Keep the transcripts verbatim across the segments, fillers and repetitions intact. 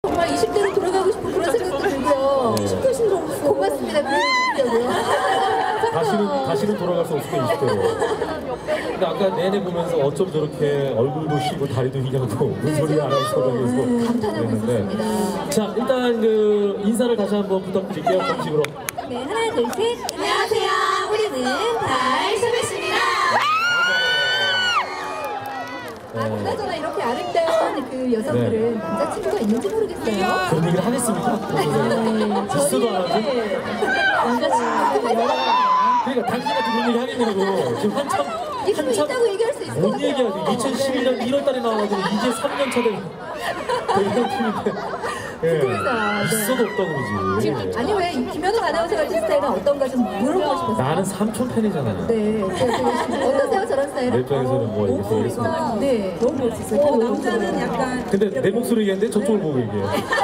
정말 이십 대로 돌아가고 싶은 그런 생각도 들고요. 네. 이십 대신 너무 고맙습니다. 그러고요. 다시는 다시는 돌아갈 수 없을 거예요, 이십 대로. 근데 아까 내내 보면서 어쩜 저렇게 얼굴도 휘고 다리도 휘냐고 문소리 아나운서라면서 감탄하고 있었습니다. 자, 일단 그 인사를 다시 한번 부탁드릴게요, 정식으로. 네, 하나, 둘, 셋. 안녕하세요. 우리는 달소매씨입니다. 아, 그나저나 이렇게 아름다운 그 여성들은 네. 남자친구가 있는지 모르겠어요. 그런 얘기를 하겠습니까? 있어도 안 하죠? 남자친구가 그러니까 당신한테 그런 얘기 하겠냐고. 지금 한참 있으면 있다고 얘기할 수 있을 것 못 같아요. 얘기하지. 이천십일 년 일월 달에 나와가지고 이제 삼 년 차 된 대형 팀인데. 예. 궁금해서, 네. 있어도 없다고 그러지. 아니 왜 김현우 아나운서 같은 스타일은 어떤가 좀 물어보고 싶었어요. 나는 삼촌 팬이잖아요. 네. 어떠세요 저런 내 스타일은? 입장에서는 뭐 얘기 쓰겠습니다. 네. 너무 멋있어요. 그리고 남자는 약간 근데 내 목소리 얘기하는데 저쪽을 보고 얘기해.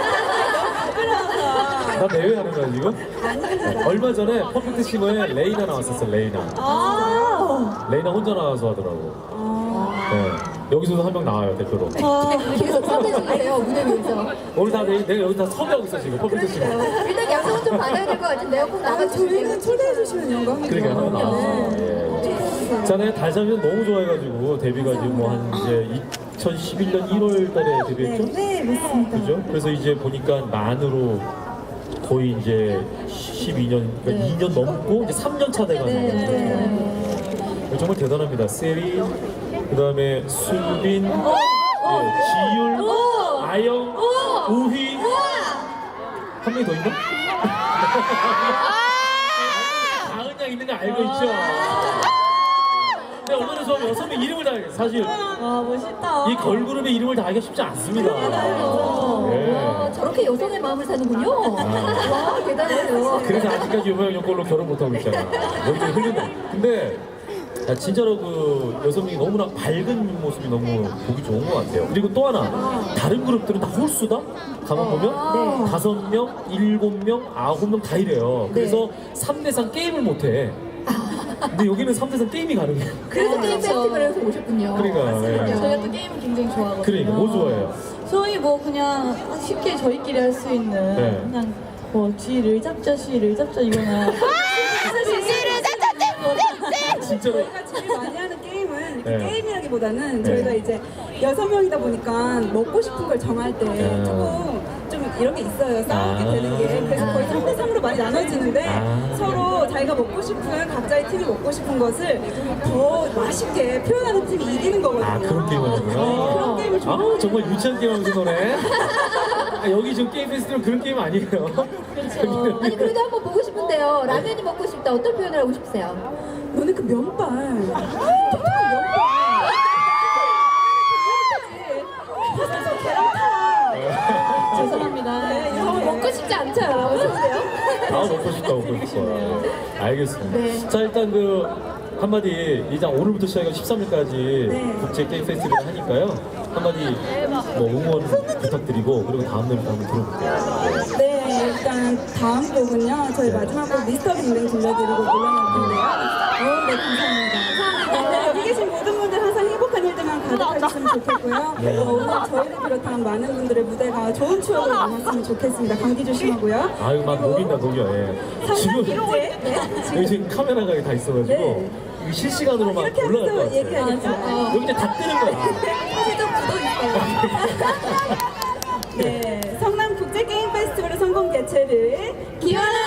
나 대회하는 거야 지금? 얼마 전에 퍼펙트 싱어에 레이나 나왔었어. 레이나. 아 레이나 혼자 나와서 하더라고. 네. 여기서도 한 명 나와요 대표로. 계속 선배님이세요 무대 위에서. 오늘 다 내, 내가 여기 다 섭외하고 있어 지금 퍼펙트 싱어. 일단 약속은 좀 받아야 될 것 같은데요. 꼭 나가주세요. 저희는 초대해 주시면 영광이죠. 그러니까 한번 나왔어. 예. 자네 달자면 너무 좋아해가지고 데뷔가 지금 뭐 한 이제 이천십일 년 일월 달에 데뷔했죠? 네, 맞습니다. 그죠? 그래서 이제 보니까 만으로 거의 이제 십이 년, 그러니까 이 년 넘고 이제 삼 년 차 돼가는 거예요. 정말 대단합니다. 세리, 그 다음에 수빈, 예, 지율, 아영, 우휘, 한 명이 더 있나? 다은 양 있는 거 알고 있죠? 근데 얼마나 좋아하면 여섯 명 이름을 다 알겠어요. 사실 와 멋있다. 이 걸그룹의 이름을 다 알기가 쉽지 않습니다. 와, 예. 저렇게 여성의 마음을 사는군요. 와, 대단해요. 그래서 아직까지 유명 연골로 결혼 못하고 있잖아. 여기서 흘린다. 근데 야, 진짜로 그 여성이 너무나 밝은 모습이 너무 보기 좋은 것 같아요. 그리고 또 하나, 다른 그룹들은 다 홀수다? 가만 보면 다섯 명, 일곱 명, 아홉 명 다 이래요. 그래서 삼 대상 게임을 못해. 근데 여기는 삼 대상 게임이 가능해요. 그래서 게임 페스티벌에서 오셨군요. 그러니까, 예. 저희가 또 게임을 굉장히 좋아하거든요. 그러니까 뭐 좋아해요? 저희 뭐 그냥 쉽게 저희끼리 할 수 있는 네. 그냥 뭐 쥐를 잡자 쉬를 잡자 이거나 진짜로. 저희가 제일 많이 하는 게임은 이렇게 네. 게임이라기보다는 네. 저희가 이제 여섯 명이다 보니까 먹고 싶은 걸 정할 때 네. 조금 좀 이런 게 있어요. 싸우게 아. 되는 게. 그래서 거의 삼 대 삼으로 많이 나눠지는데 아. 서로 자기가 먹고 싶은 각자의 팀이 먹고 싶은 것을 더 맛있게 표현하는 팀이 이기는 거거든요. 아, 그런 게임을 하는구나. 네, 그런 게임을 아, 좋아해요. 정말 유치한 게임 하면서 노래. 아, 여기 지금 게임 페스티벌 그런 게임 아니에요. 아니, 그래도 한번 보고 싶은데요. 라면이 먹고 싶다. 어떤 표현을 하고 싶으세요? 너네 그 면발. 면발. 죄송합니다. 정말 먹고 싶지 않죠? 어떠세요? 아, 먹고 싶다, 먹고 싶다. 네, 알겠습니다. 네. 자, 일단 그 한마디, 일단 오늘부터 시작해서 십삼 일까지 네. 국제 게임 페스티벌 하니까요. 한마디 뭐 응원 부탁드리고 그리고 다음 노래부터 한번 들어볼게요. 네, 일단 다음 곡은요. 저희 마지막 곡 미스터 빅뱅 들려드리고 물러날 텐데요. 어, 네, 감사합니다. 네, 여기 계신 모든 분들 항상 행복한 일들만 가득하셨으면 좋겠고요. 네. 어, 오늘 저희를 비롯한 많은 분들의 무대가 좋은 추억으로 남았으면 좋겠습니다. 감기 조심하고요. 아유, 막 녹인다, 녹여. 예. 성남 지금 국제. 네, 여기 지금 카메라가 다 있어가지고 네. 이거 실시간으로 막 이렇게 올라갈 것 하면서 같아요. 얘기하겠죠. 여기 이제 다 뜨는 거야. 사실 좀 묻어있어요. 네, 성남 국제 게임 페스티벌의 성공 개최를 기원합니다.